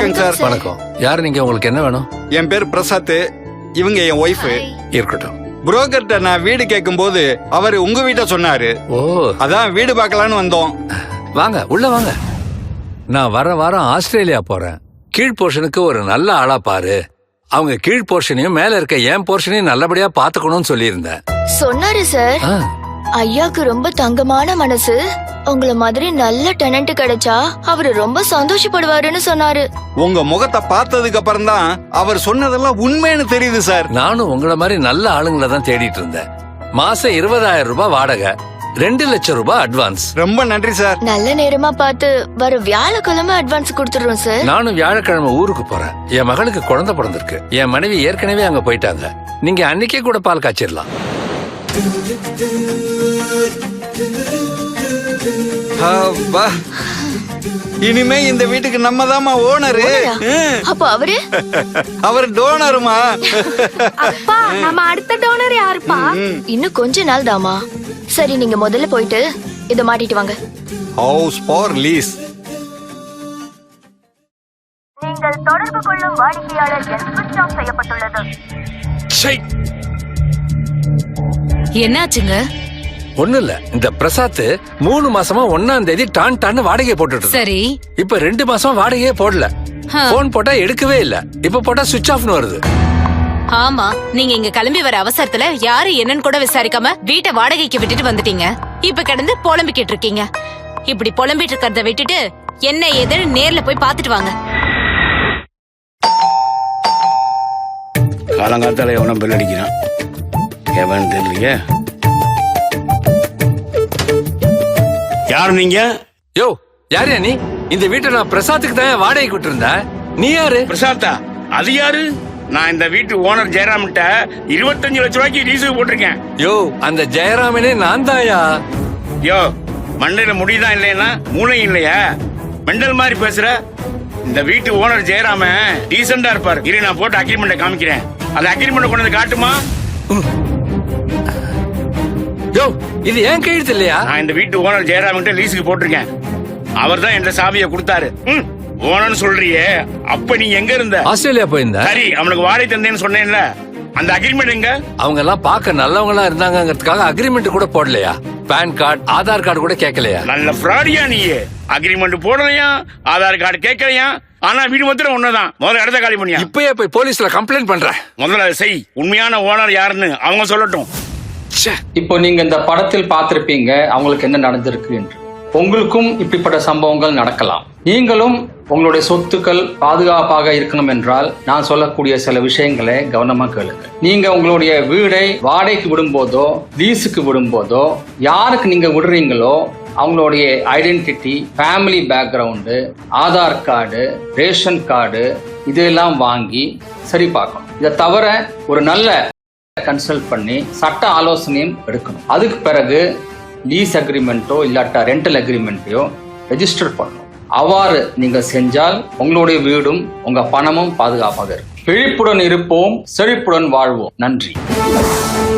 வணக்கம் சார். வணக்கம். யாரு நீங்க? உங்களுக்கு என்ன வேணும்? என் பேர் பிரசாத், இவங்க என் ஒய்ஃப். இருக்கட்டும். புரோக்கர்ட்ட நான் வீடு கேட்கும் போது அவர் உங்க வீட்டை சொன்னாரு. ஓ, அதான் வீடு பார்க்கலான்னு வந்தோம். வாங்க உள்ள வாங்க. நான் வர வாரம் ஆஸ்திரேலியா போறேன். கீழ் போர்ஷனுக்கு ஒரு நல்ல ஆளா பாரு. அவங்க கீழ் போர்ஷனையும் மேல இருக்க என் போர்ஷனையும் நல்லபடியா பாத்துக்கணும்னு சொல்லியிருந்தேன். சொன்னாரு சார். ஐயாக்கு ரொம்ப தங்கமான மனசு. உங்கள மாதிரி நல்ல டெனன்ட் கிடைச்சா அவரு ரொம்ப சந்தோஷப்படுவாருன்னு சொன்னாரு. உங்க முகத்தை பார்த்ததுக்கு அப்புறம் தான் அவர் சொன்னதெல்லாம் உண்மைன்னு தெரியுது சார். நானும் உங்கள மாதிரி நல்ல ஆளுங்களை தான் தேடிட்டு இருந்தேன். மாசம் 20,000 ரூபாய் வாடகை, 2 லட்சம் ரூபாய் அட்வான்ஸ். ரொம்ப நன்றி சார். நல்ல நேரமா பார்த்து வர வியாழக்கிழமை அட்வான்ஸ் கொடுத்துடுறோம் சார். நானும் வியாழக்கிழமை ஊருக்கு போறேன். என் மகளுக்கு குழந்தை பிறந்திருக்கு. என் மனைவி ஏற்கனவே அங்க போயிட்டாங்க. நீங்க அன்னைக்கே கூட பால் காய்ச்சிடலாம். இனிமே இந்த வீட்டுக்கு நம்ம தாமா ஓனரு. அப்ப அவரு அவர் டோனருமா? அப்பா, நம்ம அடுத்த டோனர் யாருப்பா? இன்னும் கொஞ்ச நாள் தாமா. சரி, நீங்க முதல்ல போயிட்டு இத மாட்டிட்டு வாங்க. House for lease. நீங்கள் தொடர்பு கொள்ளும் வாடிக்கையாளர் ஸ்விட்ச் ஆஃப் செய்யப்பட்டுள்ளது. என்னாச்சுங்க? ஒண்ணு இல்ல, இந்த பிரசாத் 3 மாசமா 1ஆம் தேதி டான்னு வாடகையை போட்டுட்டு. சரி, இப்ப 2 மாசம் வாடகையே போடல. போன் போட்டா எடுக்கவே இல்ல. இப்ப போட்டா சுவிட்ச் ஆஃப்னு வருது. ஆமா, நீங்க இங்க கிளம்பி வர அவசரத்துல யாரு என்னன்னு கூட விசாரிக்காம வீட்டை வாடகைக்கு விட்டுட்டு வந்துட்டீங்க. இப்ப கிடந்து புலம்பிக்கிட்டு இருக்கீங்க. இப்படி புலம்பிட்டு இருக்கிறத விட்டுட்டு என்ன ஏதுன்னு நேர்ல போய் பாத்துட்டு வாங்க. காலங்காத்தால எவனும் பெல் அடிக்கிறான். எவன் தெரியலையே. யாரு நீங்க? யோ, யாரு நீ? இந்த வீட்டை நான் பிரசாத்துக்கு தான் வாடகைக்கு விட்டு இருந்தேன். நீ யாரு? பிரசாத்தா? அது யாரு? நான் இந்த வீட்டு ஓனர் ஜெயராம்கிட்ட 25 லட்சம் ரூபாய்க்கு லீஸுக்கு போட்டிருக்கேன். யோ, அந்த ஜெயராமனே நான் தாயா. யோ, மண்டையில முடிதான் இல்லையா, மூளை இல்லையா? மெண்டல் மாதிரி பேசுற. இந்த வீட்டு ஓனர் ஜெயராம டீசெண்டா இருப்பாரு. இரு, நான் போட்டு அக்ரிமெண்ட்டை காமிக்கிறேன். அந்த அக்ரிமெண்ட் கொண்டு வந்து காட்டுமா? யோ, இது ஏன் கையெழுத்து இல்லையா? நான் இந்த வீட்டு ஓனர் ஜெயராம் கிட்ட லீஸுக்கு போட்டிருக்கேன். அவர் தான் என்ற சாவியை கொடுத்தாரு. ஓனர்னு சொல்றியே, அப்ப நீ எங்க இருந்த? ஆஸ்திரேலியா போயிருந்த. சரி, அவனுக்கு வாடகை தந்தேன்னு சொன்னேன்ல, அந்த அக்ரிமெண்ட் எங்க? அவங்க எல்லாம் பார்க்க நல்லவங்களா இருந்தாங்கிறதுக்காக அக்ரிமெண்ட் கூட போடலையா? பான் கார்டு, ஆதார் கார்டு கூட கேட்கலையா? நல்ல ஃப்ராடியா நீ. அக்ரிமெண்ட் போடலையா, ஆதார் கார்டு கேட்கலையா, ஆனா வீடு மாத்திரம் ஒண்ணுதான். முதல்ல இடத்த காலி பண்ணியா? இப்பயே போய் போலீஸ்ல கம்ப்ளைண்ட் பண்றேன். முதல்ல அதை செய். உண்மையான ஓனர் யாருன்னு அவங்க சொல்லட்டும். இப்போ நீங்க இந்த படத்தில் பார்த்திருப்பீங்க அவங்களுக்கு என்ன நடந்திருக்கு என்று. உங்களுக்கும் இப்படிப்பட்ட சம்பவங்கள் நடக்கலாம். நீங்களும் உங்களுடைய சொத்துக்கள் பாதுகாப்பாக இருக்கணும் என்றால் நான் சொல்லக்கூடிய சில விஷயங்களை கவனமா கேளுங்க. நீங்க உங்களுடைய வீடை வாடகைக்கு விடும்போதோ லீஸுக்கு விடும்போதோ யாருக்கு நீங்க விடுறீங்களோ அவங்களுடைய identity, family background, Aadhaar card, ration card இதெல்லாம் வாங்கி சரி பார்க்கணும். இதை தவிர ஒரு நல்ல கன்சல்ட் பண்ணி சட்ட ஆலோசனையும் எடுக்கணும். அதுக்கு பிறகு லீஸ் அக்ரிமெண்ட்டோ இல்லாட்டா ரெண்டல் அக்ரிமெண்ட்டையோ ரெஜிஸ்டர் பண்ணணும். அவ்வாறு நீங்க செஞ்சால் உங்களுடைய வீடும் உங்க பணமும் பாதுகாப்பாக இருக்கும். விழிப்புடன் இருப்போம், செழிப்புடன் வாழ்வோம். நன்றி.